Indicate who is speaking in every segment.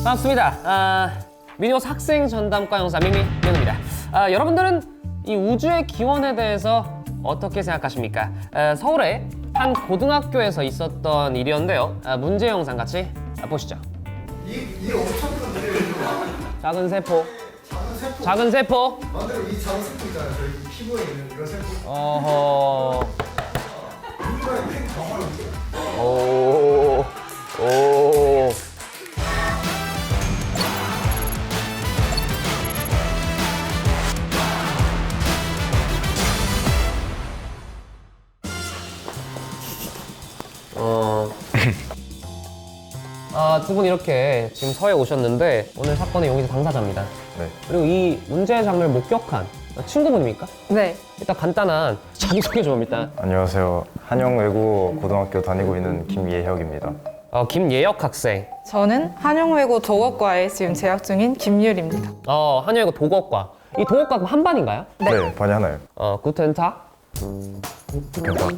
Speaker 1: 반갑습니다. 미니버스 학생 전담과 영사 민입니다. 여러분들은 이 우주의 기원에 대해서 어떻게 생각하십니까? 서울의 한 고등학교에서 있었던 일이었는데요. 문제 영상 같이 보시죠.
Speaker 2: 이 엄청 큰 문제를
Speaker 1: 작은 세포.
Speaker 2: 작은 세포
Speaker 1: 작은 세포.
Speaker 2: 만들어 이 작은 세포 있잖아요. 저희 피부에 있는 이런 세포.
Speaker 1: 어허.
Speaker 2: 인간의 팬 정화를
Speaker 1: 오. 오. 두 분 이렇게 지금 서해 오셨는데 오늘 사건의 용의자 당사자입니다.
Speaker 3: 네.
Speaker 1: 그리고 이 문제의 장면을 목격한 친구분입니까?
Speaker 4: 네.
Speaker 1: 일단 간단한 자기소개 좀 일단.
Speaker 3: 안녕하세요. 한영외고 고등학교 다니고 있는 김예혁입니다.
Speaker 1: 김예혁 학생.
Speaker 4: 저는 한영외고 독어과에 지금 재학 중인 김유리입니다.
Speaker 1: 한여이고 독어과. 이 독어과 그럼 한 반인가요?
Speaker 3: 네, 반이 하나요.
Speaker 1: 구텐탁.
Speaker 3: 괜찮아.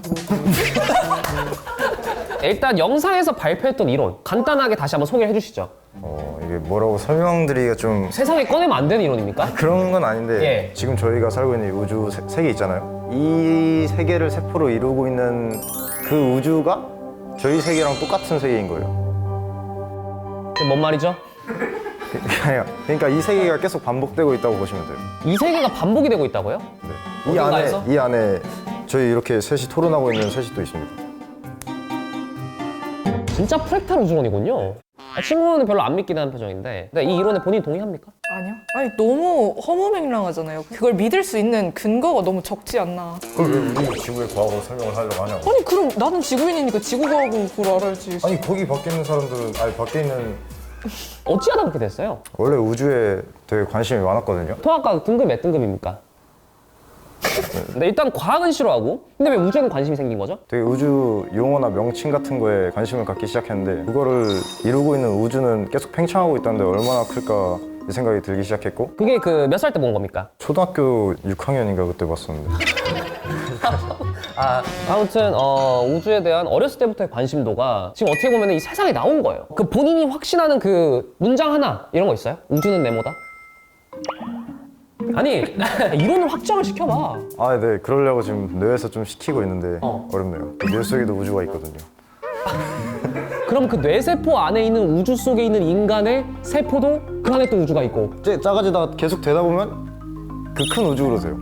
Speaker 1: 일단 영상에서 발표했던 이론 간단하게 다시 한번 소개해 주시죠.
Speaker 3: 이게 뭐라고 설명드리기가 좀
Speaker 1: 세상에 꺼내면 안 되는 이론입니까?
Speaker 3: 그런 건 아닌데
Speaker 1: 예.
Speaker 3: 지금 저희가 살고 있는 이 우주 세계 있잖아요. 이 세계를 세포로 이루고 있는 그 우주가 저희 세계랑 똑같은 세계인 거예요.
Speaker 1: 그게 뭔 말이죠?
Speaker 3: 그러니까 이 세계가 계속 반복되고 있다고 보시면 돼요.
Speaker 1: 이 세계가 반복이 되고 있다고요?
Speaker 3: 네.
Speaker 1: 어딘가에서?
Speaker 3: 이 안에 저희 이렇게 셋이 토론하고 있는 셋이 또 있습니다.
Speaker 1: 진짜 프랙탈 우주론이군요. 친구는 별로 안 믿긴 하는 표정인데 이 이론에 본인이 동의합니까?
Speaker 4: 아니요. 아니 너무 허무맹랑하잖아요. 그걸 믿을 수 있는 근거가 너무 적지 않나.
Speaker 3: 그걸 왜 우리 지구의 과학으로 설명을 하려고 하냐고.
Speaker 4: 아니 그럼 나는 지구인이니까 지구과학을 그걸 알아야지.
Speaker 3: 아니 거기 밖에 있는 사람들은 밖에 있는
Speaker 1: 어찌하다 그렇게 됐어요?
Speaker 3: 원래 우주에 되게 관심이 많았거든요.
Speaker 1: 통합과 등급 몇 등급입니까? 근데 일단 과학은 싫어하고 근데 왜 우주에는 관심이 생긴 거죠?
Speaker 3: 되게 우주 용어나 명칭 같은 거에 관심을 갖기 시작했는데 그거를 이루고 있는 우주는 계속 팽창하고 있다는데 얼마나 클까 이 생각이 들기 시작했고
Speaker 1: 그게 그 몇 살 때 본 겁니까?
Speaker 3: 초등학교 6학년인가 그때 봤었는데
Speaker 1: 아무튼 우주에 대한 어렸을 때부터의 관심도가 지금 어떻게 보면 이 세상에 나온 거예요. 그 본인이 확신하는 그 문장 하나 이런 거 있어요? 우주는 네모다? 아니 이론을 확정을 시켜봐.
Speaker 3: 네 그러려고 지금 뇌에서 좀 시키고 있는데 어렵네요. 뇌 속에도 우주가 있거든요.
Speaker 1: 그럼 그 뇌세포 안에 있는 우주 속에 있는 인간의 세포도 그 안에 또 우주가 있고.
Speaker 3: 작아지다가 계속 되다 보면 그 큰 우주로 돼요.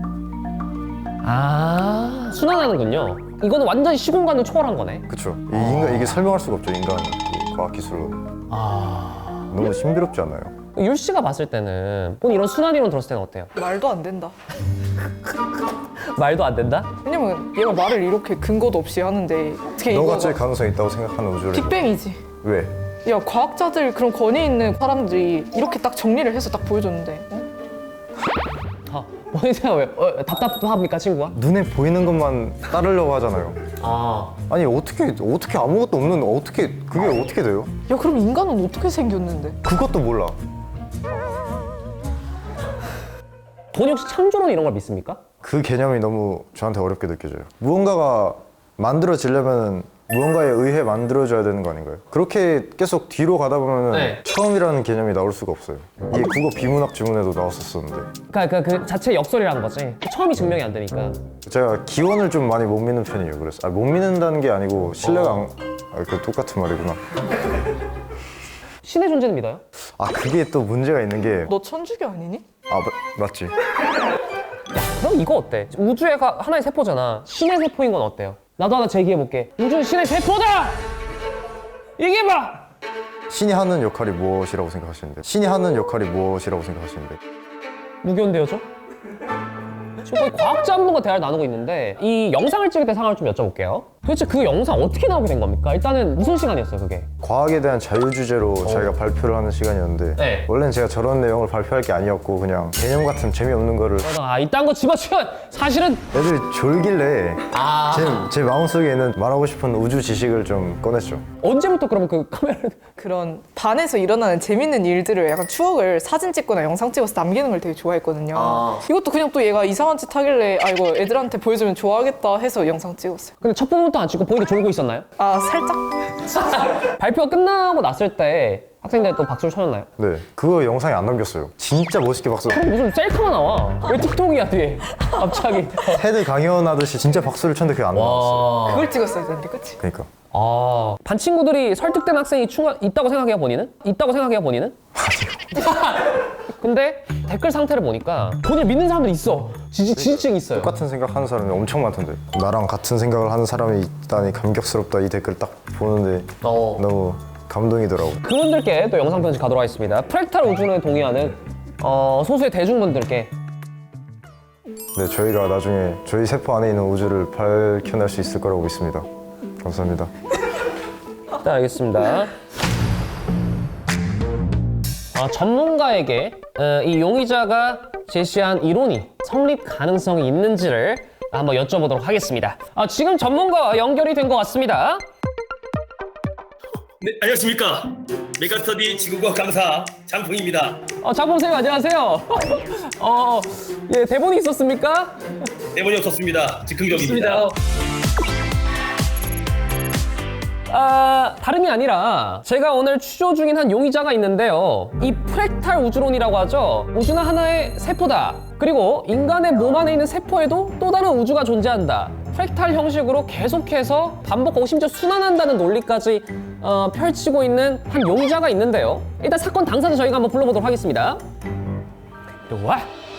Speaker 1: 순환하는군요. 이거는 완전히 시공간을 초월한 거네.
Speaker 3: 그쵸. 이게 설명할 수가 없죠, 인간 그 과학 기술로. 너무 신비롭지 않아요?
Speaker 1: 율 씨가 봤을 때는 본인 이런 순환이론 들었을 때는 어때요?
Speaker 4: 말도 안 된다.
Speaker 1: 말도 안 된다?
Speaker 4: 왜냐면 얘가 말을 이렇게 근거도 없이 하는데 어떻게
Speaker 3: 너가
Speaker 4: 이거가
Speaker 3: 제일 가능성이 있다고 생각하는 우주를
Speaker 4: 빅뱅이지.
Speaker 3: 왜?
Speaker 4: 야 과학자들 그런 권위 있는 사람들이 이렇게 딱 정리를 해서 딱 보여줬는데
Speaker 1: 본인 생각 왜? 답답합니까 친구가?
Speaker 3: 눈에 보이는 것만 따르려고 하잖아요. 아니 어떻게 아무것도 없는 그게 어떻게 돼요?
Speaker 4: 야 그럼 인간은 어떻게 생겼는데?
Speaker 3: 그것도 몰라.
Speaker 1: 본인 혹시 창조론 이런 걸 믿습니까?
Speaker 3: 그 개념이 너무 저한테 어렵게 느껴져요. 무언가가 만들어지려면 무언가에 의해 만들어져야 되는 거 아닌가요? 그렇게 계속 뒤로 가다 보면
Speaker 1: 네.
Speaker 3: 처음이라는 개념이 나올 수가 없어요. 이게 국어 비문학 지문에도 나왔었었는데
Speaker 1: 그러니까 그 자체 역설이라는 거지. 처음이 증명이 안 되니까.
Speaker 3: 제가 기원을 좀 많이 못 믿는 편이에요. 그래서 못 믿는다는 게 아니고 신뢰가 그 똑같은 말이구나.
Speaker 1: 신의 존재는 믿어요?
Speaker 3: 그게 또 문제가 있는 게
Speaker 4: 너 천주교 아니니?
Speaker 3: 맞지.
Speaker 1: 그럼 이거 어때? 우주가 하나의 세포잖아. 신의 세포인 건 어때요? 나도 하나 제기해볼게. 우주는 신의 세포다! 얘기해봐!
Speaker 3: 신이 하는 역할이 무엇이라고 생각하시는데? 신이 하는 역할이 무엇이라고 생각하시는데?
Speaker 1: 무견대요 죠 지금 거의 과학자 한 분과 대화를 나누고 있는데 이 영상을 찍을 때 상황을 좀 여쭤볼게요. 도대체 그 영상 어떻게 나오게 된 겁니까? 일단은 무슨 시간이었어요 그게?
Speaker 3: 과학에 대한 자유 주제로 저희가 발표를 하는 시간이었는데
Speaker 1: 네.
Speaker 3: 원래는 제가 저런 내용을 발표할 게 아니었고 그냥 개념 같은 재미없는 거를
Speaker 1: 이딴 거 집어치워! 사실은
Speaker 3: 애들이 졸길래 제 마음속에 있는 말하고 싶은 우주 지식을 좀 꺼냈죠.
Speaker 1: 언제부터 그러면 그 카메라를
Speaker 4: 그런 반에서 일어나는 재밌는 일들을 약간 추억을 사진 찍거나 영상 찍어서 남기는 걸 되게 좋아했거든요. 이것도 그냥 또 얘가 이상한 짓 하길래 이거 애들한테 보여주면 좋아하겠다 해서 영상 찍었어요.
Speaker 1: 근데 첫 부분부터 안 찍고 본인이 졸고 있었나요?
Speaker 4: 살짝?
Speaker 1: 발표가 끝나고 났을 때 학생들 또 박수를 쳐줬나요?
Speaker 3: 네, 그거 영상에 안 남겼어요. 진짜 멋있게 박수.
Speaker 1: 무슨 셀카가 나와? 왜 틱톡이야 뒤에? 갑자기.
Speaker 3: 헤드 강연하듯이 진짜 박수를 쳤는데 그게 안 나왔어요.
Speaker 4: 그걸 찍었어야 되는데, 그치?
Speaker 3: 그러니까.
Speaker 1: 아, 반 친구들이 설득된 학생이 있다고 생각해요, 본인은? 있다고 생각해요, 본인은? 근데 댓글 상태를 보니까 본인을 믿는 사람들이 있어. 지지층이 있어요.
Speaker 3: 똑같은 생각하는 사람이 엄청 많던데. 나랑 같은 생각을 하는 사람이 있다니 감격스럽다. 이 댓글 딱 보는데 너무 감동이더라고.
Speaker 1: 그분들께 또 영상 편지 가도록 하겠습니다. 프랙탈 우주론에 동의하는 소수의 대중분들께
Speaker 3: 네, 저희가 나중에 저희 세포 안에 있는 우주를 밝혀낼 수 있을 거라고 믿습니다. 감사합니다.
Speaker 1: 네, 알겠습니다. 전문가에게 이 용의자가 제시한 이론이 성립 가능성이 있는지를 한번 여쭤보도록 하겠습니다. 지금 전문가와 연결이 된 것 같습니다.
Speaker 5: 네, 안녕하십니까. 메가스터디 지구과학 강사 장풍입니다.
Speaker 1: 장범 선생님 안녕하세요. 예, 대본이 있었습니까?
Speaker 5: 대본이 없었습니다. 즉흥적입니다.
Speaker 1: 다름이 아니라 제가 오늘 추조 중인 한 용의자가 있는데요. 이 프랙탈 우주론이라고 하죠. 우주는 하나의 세포다. 그리고 인간의 몸 안에 있는 세포에도 또 다른 우주가 존재한다. 프랙탈 형식으로 계속해서 반복하고 심지어 순환한다는 논리까지 펼치고 있는 한 용의자가 있는데요. 일단 사건 당사자 저희가 한번 불러보도록 하겠습니다. 와.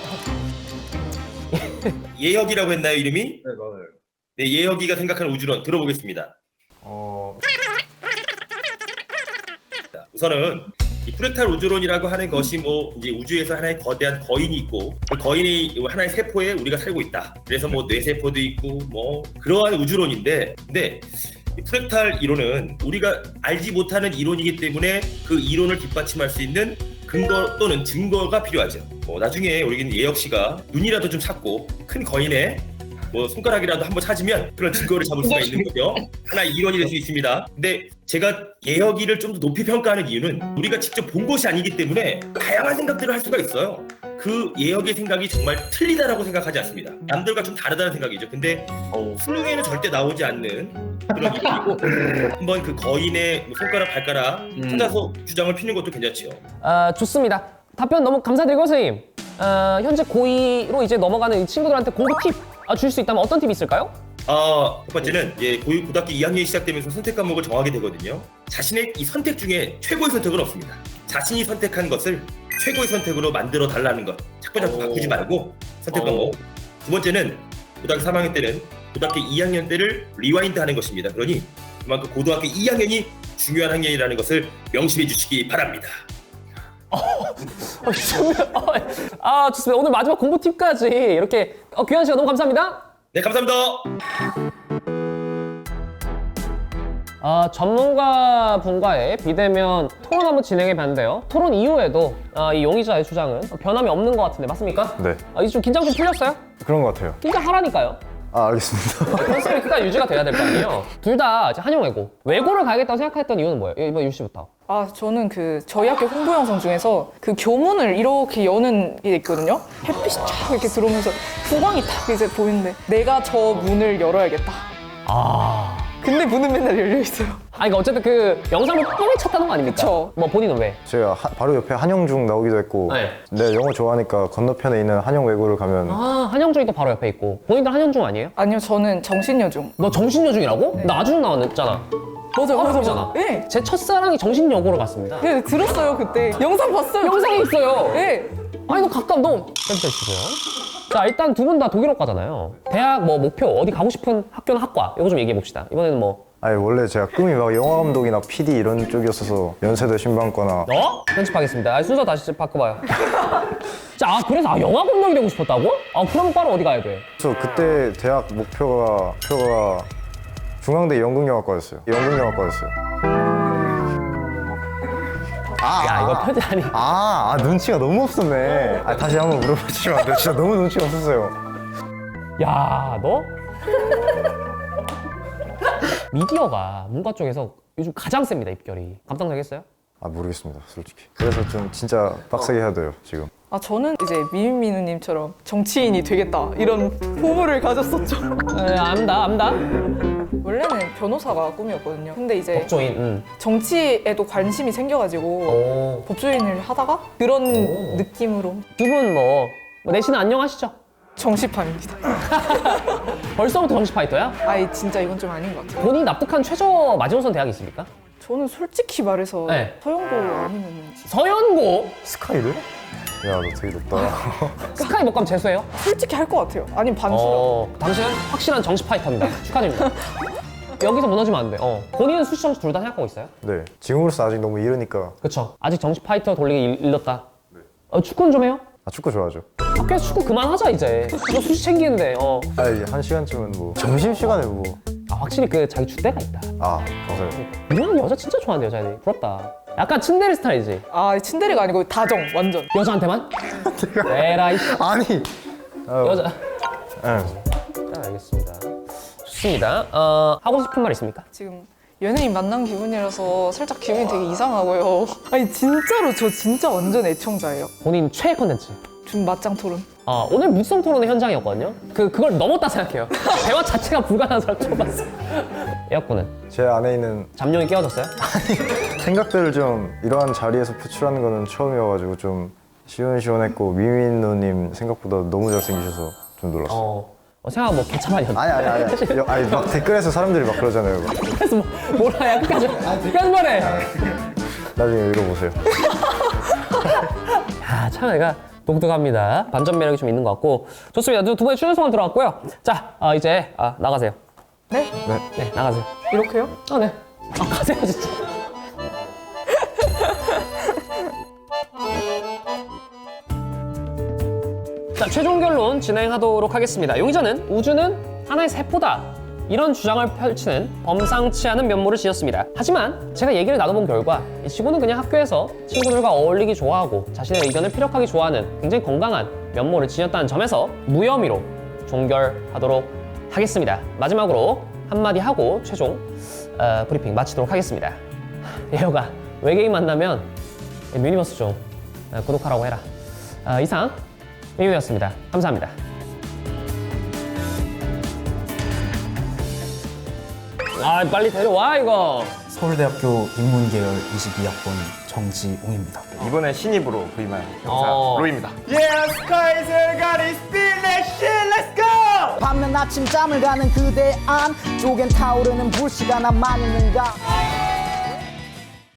Speaker 5: 예혁이라고 했나요, 이름이?
Speaker 2: 네, 맞아요.
Speaker 5: 네, 예혁이가 생각하는 우주론 들어보겠습니다. 우선은 이 프랙탈 우주론이라고 하는 것이 뭐 이제 우주에서 하나의 거대한 거인이 있고 그 거인이 하나의 세포에 우리가 살고 있다. 그래서 뭐 뇌세포도 있고 뭐 그러한 우주론인데, 근데 이 프랙탈 이론은 우리가 알지 못하는 이론이기 때문에 그 이론을 뒷받침할 수 있는 근거 또는 증거가 필요하죠. 뭐 나중에 우리 예혁 씨가 눈이라도 좀 찾고 큰 거인의 뭐 손가락이라도 한번 찾으면 그런 증거를 잡을 수가 있는 거죠. 하나의 이론이 될 수 있습니다. 근데 제가 예혁이를 좀 더 높이 평가하는 이유는 우리가 직접 본 것이 아니기 때문에 다양한 생각들을 할 수가 있어요. 그 예혁의 생각이 정말 틀리다라고 생각하지 않습니다. 남들과 좀 다르다는 생각이죠. 근데 수능에는 절대 나오지 않는 그런 이론이고 한번 그 거인의 뭐 손가락, 발가락 찾아서 주장을 피는 것도 괜찮죠.
Speaker 1: 좋습니다. 답변 너무 감사드리고 선생님. 현재 고2로 이제 넘어가는 이 친구들한테 공부 팁 줄 수 있다면 어떤 팁이 있을까요?
Speaker 5: 첫 번째는 이제 고등학교 2학년이 시작되면서 선택 과목을 정하게 되거든요. 자신의 이 선택 중에 최고의 선택은 없습니다. 자신이 선택한 것을 최고의 선택으로 만들어 달라는 것. 자꾸 바꾸지 말고 선택 과목. 두 번째는 고등학교 3학년 때는 고등학교 2학년 때를 리와인드 하는 것입니다. 그러니 그만큼 고등학교 2학년이 중요한 학년이라는 것을 명심해 주시기 바랍니다.
Speaker 1: 좋습니다. 오늘 마지막 공부 팁까지 이렇게 귀한 시간 너무 감사합니다.
Speaker 5: 네, 감사합니다.
Speaker 1: 전문가 분과의 비대면 토론 한번 진행해 봤는데요. 토론 이후에도 이 용의자의 주장은 변함이 없는 것 같은데 맞습니까?
Speaker 3: 네,
Speaker 1: 이제 좀 긴장 좀 풀렸어요?
Speaker 3: 그런 것 같아요.
Speaker 1: 긴장하라니까요.
Speaker 3: 알겠습니다.
Speaker 1: 컨셉이 끝까지 유지가 돼야 될 거 아니에요. 둘 다 한영외고. 외고를 가야겠다고 생각했던 이유는 뭐예요? 이번 유 씨부터.
Speaker 4: 저는 저희 학교 홍보 영상 중에서 그 교문을 이렇게 여는 게 있거든요. 햇빛이 쫙 이렇게 들어오면서 후광이 탁 이제 보이는데 내가 저 문을 열어야겠다. 근데 문은 맨날 열려 있어요.
Speaker 1: 그러니까 어쨌든 그 영상을 뻥이 쳤다는 거 아닙니까?
Speaker 4: 그쵸.
Speaker 1: 뭐 본인은 왜?
Speaker 3: 제가 바로 옆에 한영중 나오기도 했고
Speaker 1: 네.
Speaker 3: 내가 영어 좋아하니까 건너편에 있는 한영외고를 가면
Speaker 1: 한영중이 또 바로 옆에 있고. 본인들 한영중 아니에요?
Speaker 4: 아니요, 저는 정신여중.
Speaker 1: 너 정신여중이라고? 나 아중 나왔잖아.
Speaker 4: 맞아요. 네.
Speaker 1: 제 첫사랑이 정신여고로 갔습니다.
Speaker 4: 네, 들었어요 그때. 영상 봤어요.
Speaker 1: 영상이 있어요.
Speaker 4: 네.
Speaker 1: 아니 너 가까워 너. 깜짝이시고요. 자 일단 두 분 다 독일어 과잖아요. 대학 뭐 목표 어디 가고 싶은 학교나 학과 이거 좀 얘기해 봅시다. 이번에는 뭐
Speaker 3: 아니 원래 제가 꿈이 막 영화 감독이나 PD 이런 쪽이었어서 연세대 신방과나
Speaker 1: 편집하겠습니다. 순서 다시 바꿔봐요. 자 그래서 영화 감독이 되고 싶었다고? 그럼 바로 어디 가야 돼?
Speaker 3: 그래서 그때 대학 목표가 중앙대 연극영화과였어요. 연극영화과였어요.
Speaker 1: 야 이거 편집 아니.
Speaker 3: 눈치가 너무 없었네. 다시 한번 물어보시면 안 돼요? 진짜 너무 눈치가 없었어요.
Speaker 1: 야 너? 미디어가 문과 쪽에서 요즘 가장 셉니다 입결이. 감당되겠어요?
Speaker 3: 모르겠습니다, 솔직히. 그래서 좀 진짜 빡세게 해야 돼요, 지금.
Speaker 4: 저는 이제 미민미누님처럼 정치인이 되겠다 이런 포부를 가졌었죠.
Speaker 1: 압니다.
Speaker 4: 원래는 변호사가 꿈이었거든요. 근데 이제
Speaker 1: 법조인.
Speaker 4: 정치에도 관심이 생겨가지고
Speaker 1: 오.
Speaker 4: 법조인을 하다가 그런 느낌으로
Speaker 1: 두 분 뭐 내신은 안녕하시죠?
Speaker 4: 정시파입니다.
Speaker 1: 벌써부터 정시 파이터야?
Speaker 4: 아이 진짜 이건 좀 아닌 것 같아요.
Speaker 1: 본인이 납득한 최저 마지노선 대학이 있습니까?
Speaker 4: 저는 솔직히 말해서
Speaker 1: 네.
Speaker 4: 서영고 아니면
Speaker 1: 서연고
Speaker 3: 스카이를? 야, 너 되게 높다.
Speaker 1: 스카이 못 가면 재수해요?
Speaker 4: 솔직히 할 것 같아요. 아니면 반수라.
Speaker 1: 당신은 확실한 정시 파이터입니다. 축하드립니다. 여기서 무너지면 안 돼. 본인은 수시 정시 둘 다 생각하고 있어요?
Speaker 3: 네. 지금으로서 아직 너무 이르니까.
Speaker 1: 그쵸. 아직 정시 파이터 돌리기 일렀다. 축구는 좀 해요?
Speaker 3: 아, 축구 좋아하죠.
Speaker 1: 학교에서 축구 그만하자 이제. 이거 수시 챙기는데.
Speaker 3: 아, 이제 한 시간쯤은 뭐. 점심시간에 뭐.
Speaker 1: 확실히 그 자기 주대가 있다.
Speaker 3: 아, 맞아요.
Speaker 1: 이런 여자 진짜 좋아하는데 여자애들이. 부럽다. 약간 츤데레 스타일이지.
Speaker 4: 아 츤데레가 아니고 다정 완전.
Speaker 1: 여자한테만? 에라이.
Speaker 3: 아니!
Speaker 1: 여자.
Speaker 3: 예.
Speaker 1: 알겠습니다. 좋습니다. 하고 싶은 말 있습니까?
Speaker 4: 지금 연예인 만난 기분이라서 살짝 기분이 되게 이상하고요. 아니 진짜로 저 진짜 완전 애청자예요.
Speaker 1: 본인 최애 컨텐츠.
Speaker 4: 준 맞짱 토론.
Speaker 1: 오늘 무성 토론의 현장이었거든요. 그걸 넘었다 생각해요. 대화 자체가 불가능한 사람 처음 봤어요. 에어컨은
Speaker 3: 제 안에 있는
Speaker 1: 잠룡이 깨어졌어요?
Speaker 3: 생각들을 좀 이러한 자리에서 표출하는 거는 처음이어가지고 좀 시원시원했고 미민 누님 생각보다 너무 잘생기셔서 좀 놀랐어요.
Speaker 1: 생각 뭐 개차반이었나?
Speaker 3: 아니 막 댓글에서 사람들이 막 그러잖아요. 막.
Speaker 1: 그래서 뭐라 야 끝까지 말해.
Speaker 3: 나중에 읽어보세요.
Speaker 1: 참 애가 독특합니다. 반전 매력이 좀 있는 것 같고 좋습니다. 두 분의 출연 소감 들어갔고요. 자 이제 나가세요.
Speaker 4: 네?
Speaker 1: 네 나가세요.
Speaker 4: 이렇게요?
Speaker 1: 네. 가세요 진짜. 자 최종 결론 진행하도록 하겠습니다. 용의자는 우주는 하나의 세포다. 이런 주장을 펼치는 범상치 않은 면모를 지었습니다. 하지만 제가 얘기를 나눠본 결과 이 친구는 그냥 학교에서 친구들과 어울리기 좋아하고 자신의 의견을 피력하기 좋아하는 굉장히 건강한 면모를 지녔다는 점에서 무혐의로 종결하도록 하겠습니다. 마지막으로 한마디 하고 최종 브리핑 마치도록 하겠습니다. 예호가 외계인 만나면 유니버스 좀 구독하라고 해라. 이상 미유였습니다. 감사합니다. 빨리 데려와 이거.
Speaker 6: 서울대학교 인문계열 22학번 정지웅입니다.
Speaker 7: 이번에 신입으로 부임한 형사 로이입니다.
Speaker 8: 밤낮 아침잠을 가는 그대 안 쪽엔 타오르는 불씨가 나만 있는가